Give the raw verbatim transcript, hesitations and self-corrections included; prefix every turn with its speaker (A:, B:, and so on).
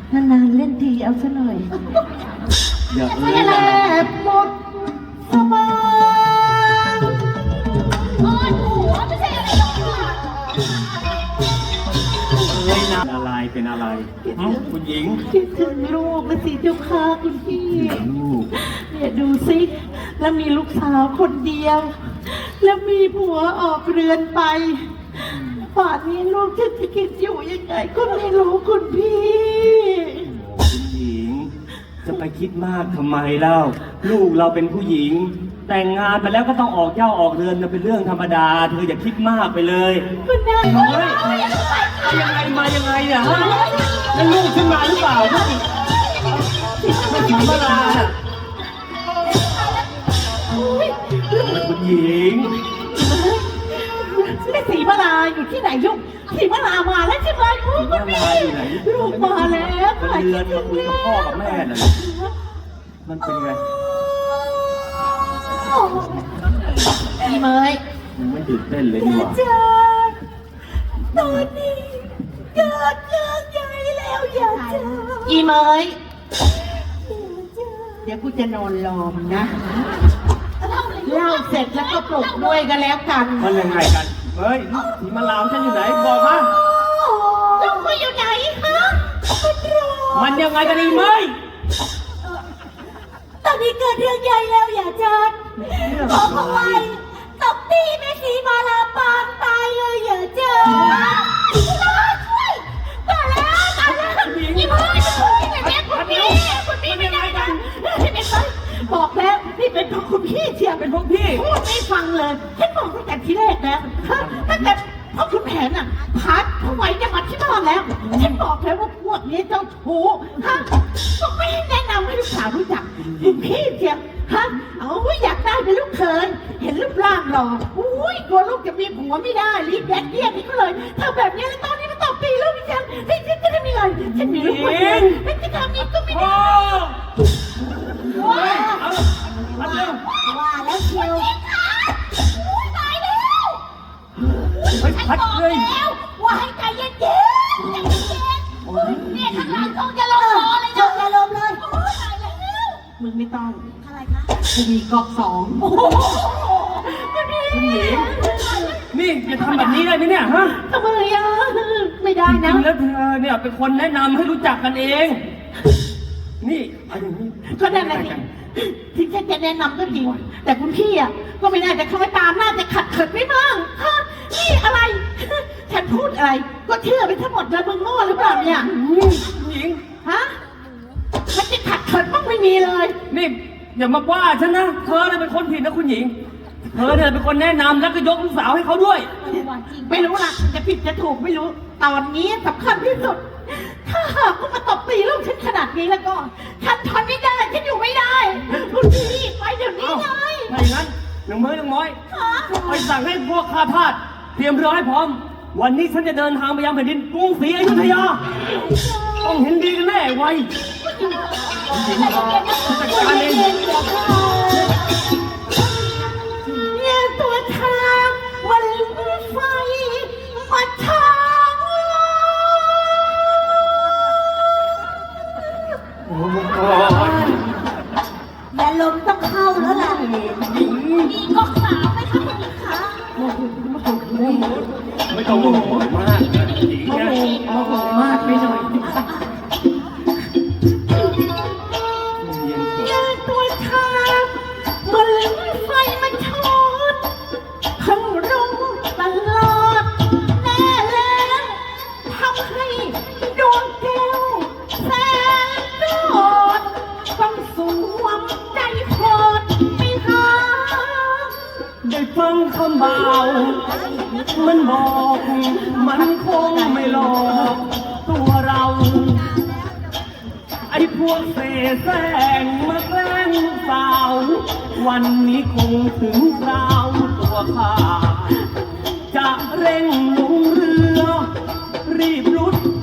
A: นานๆเล่นทีเอาซะหน่อย
B: อย่าเอ้ย
A: แลบหมดสมอง
C: โอ้ยหัวไม่ใช่อะไรหรอกค่ะ
B: เอ้ยนะอะไรเป็นอะไรหึคุณหญิง
A: คิดถึงลูกนะสิเจ้าค่ะคุณพี่
B: ลูก
A: เนี่ยดูสิแล้วมีลูกสาวคนเดียว แล้วมีผัวออกเรือนไปป่านนี้ลูกจะกินอยู่ยังไงก็ไม่รู้คุณพี่
B: คุณหญิง จะไปคิดมากทำไมเล่าลูกเราเป็นผู้หญิง แต่งงานไปแล้วก็ต้องออกเจ้าออกเรือนนะเป็นเรื่องธรรมดา เธออย่าคิดมากไปเลย
A: คุณนาย
B: เฮ้ยยังไงมายังไงเนี่ยฮะแล้วลูกขึ้นมาหรือเปล่าลูกไม่ถึงเวลาน่ะคุณหญิง
A: ไม่สีมาลาอยู่ที่ไหนลูกสีมาลามาแล้วใช่ไหมลูกคุณพี่ลูกมาแล้ว
B: มันเรือนมาคุยกับพ่อกับแม่น่ะมันเป็นไง
A: อีเมย
B: มันไม่ตื่นเต้นเลยนี่หว่า
A: จ้าตอนนี้เกิดเรื่องใหญ่แล้วอย่าจ้าอีเมยเดี๋ยวกูจะนอนรอมนะเล่าเสร็จแล้วก็ปลุกด้วยกันแล้วกัน
B: มันยังไงกันเฮ้ยสีมาลาวฉันอยู่ไหนบอกมา
A: ลูกกูอยู่ไหนคะมันรอ
B: มันยังไงกันอีไหม
A: ตอนนี้เกิดเรื่องใหญ่แล้วอย่าจ้าบอกเขาไว้ตบตีแม่สีมาลาปางตายเลยอย่าจ้าช่วยตายแล้วตายแล้วอีเมยคุณพี่คุณพี่คุณพี่ไม่ได้นะพี่เป็นไรบอกแล้วนี่เป็นเพราะคุณพี่เชียร์
B: เป็นพวกพี่
A: พูดไม่ฟังเลยฉันบอกตั้งแต่ทีแรกแล้วตั้งแต่เพราะคุณแผนอ่ะพัดทำไมจะมาที่บ้านแล้วฉันบอกแล้วว่าพวกนี้เจ้าชู้ฮะก็ไม่แนะนำให้ลูกสาวรู้จักคุณพี่เชียร์ฮะเอาอยากได้เป็นลูกเขยเห็นรูปร่างหล่ออุ้ยกลัวลูกจะมีผัวไม่ได้รีบแยกเลี่ยงนี่ก็เลยทำแบบนี้แล้วตอนนี้มันตบตีลูกฉันให้ฉันจะทำยังไงฉันมีลูกคนเดียวฉันจะทำนี้ก็ไม่ได้
B: ว้าเอาเร็ว
A: ว่าแล้วเชียว
C: ตายแล้ว
B: เฮ้ยพัดเลย
C: แล้วว่าให้ใจเย็นๆใจเย็นๆเนี่ยข้างหลังคงจะลงคอเลยนะอย่าลงเลยโอ้ยตายแล้ว
A: มึงไม่ต้อง
C: อะไรคะ
A: กูมีกอกสอง
B: คุณหญิงนี่จะทำแบบนี้ได้ไหมเนี่ยฮะ
A: ทำไมอ่ะไม่ได้
B: จ
A: นะ
B: ริงๆแล้วเธอเนี่ยเป็นคนแนะนำให้รู้จักกันเอง นี่เอาอย่างนี้
A: ก็นั่นแหละสิที่ฉันจะแนะนำก็จริง แต่คุณพี่อ่ะก็ไม่ได้แต่คอยตามน่าจะขัดเขินไม่บ้างฮะนี่อะไร ฉันพูดอะไร ก็เชื่อไปทั้งหมดเลยมึงโง่หรือเปล่าเนี่ย
B: คุณหญิง
A: ฮะมันจะขัดเขินบ้างไม่มีเลย
B: นี่อย่ามาว่าฉันนะ เธอเนี่ยเป็นคนผิดนะคุณหญิง เธอเนี่ยเป็นคนแนะนำแล้วก็ยกลูกสาวให้เขาด้วย
A: ไม่รู้ล่ะจะผิดจะถูกไม่รู้ ตอนนี้สำคัญที่สุด ถ้าหากว่ามาตบตีลูกฉันขนาดนี้แล้วก็ ฉันทนไม่ได้ ฉันอยู่ไม่ได้ คุณพี่ไปเดี๋ยวนี้
B: เอ้า
A: เลย
B: ถ้าอย่างนั้นหนึ่งมือหนึ่งม้อยไปสั่งให้พวกข้าทาสเตรียมเรือให้พร้อม วันนี้ฉันจะเดินทางไปยังแผ่นดินกรุงศรีอยุธยา ต้องเห็นดีกันแน่ไว้จัดการเอง
A: เนี่ยตัวทางมันไฟมาทาง
B: โอ้โห
A: อย่าลมต้องเข้าแล้วล่ะ
C: มีก๊อกสาวไหมคะคุณหญิงคะ
B: ไม่ต้องโมโหมากนะหญิง
A: โอ้
B: เนี่ย
A: โหโอ้โหมากไปหน่อย
B: เย็นเถ
A: อย่า
B: อะ
A: ตัวทางมันไฟมันช็อตทั้งรุ่งตลอดแน่แล้วทำให้ดวงแก้วแสนโดดต้องสวมใจโคตรไม่หา
B: ได้ฟังคำบ่าวมันบอก มันคงไม่หลอกตัวเรา ไอ้พวกเสแสร้งมาแกล้งสาว วันนี้คงถึงคราวตัวข้าจะเร่งลงเรือ รีบรุด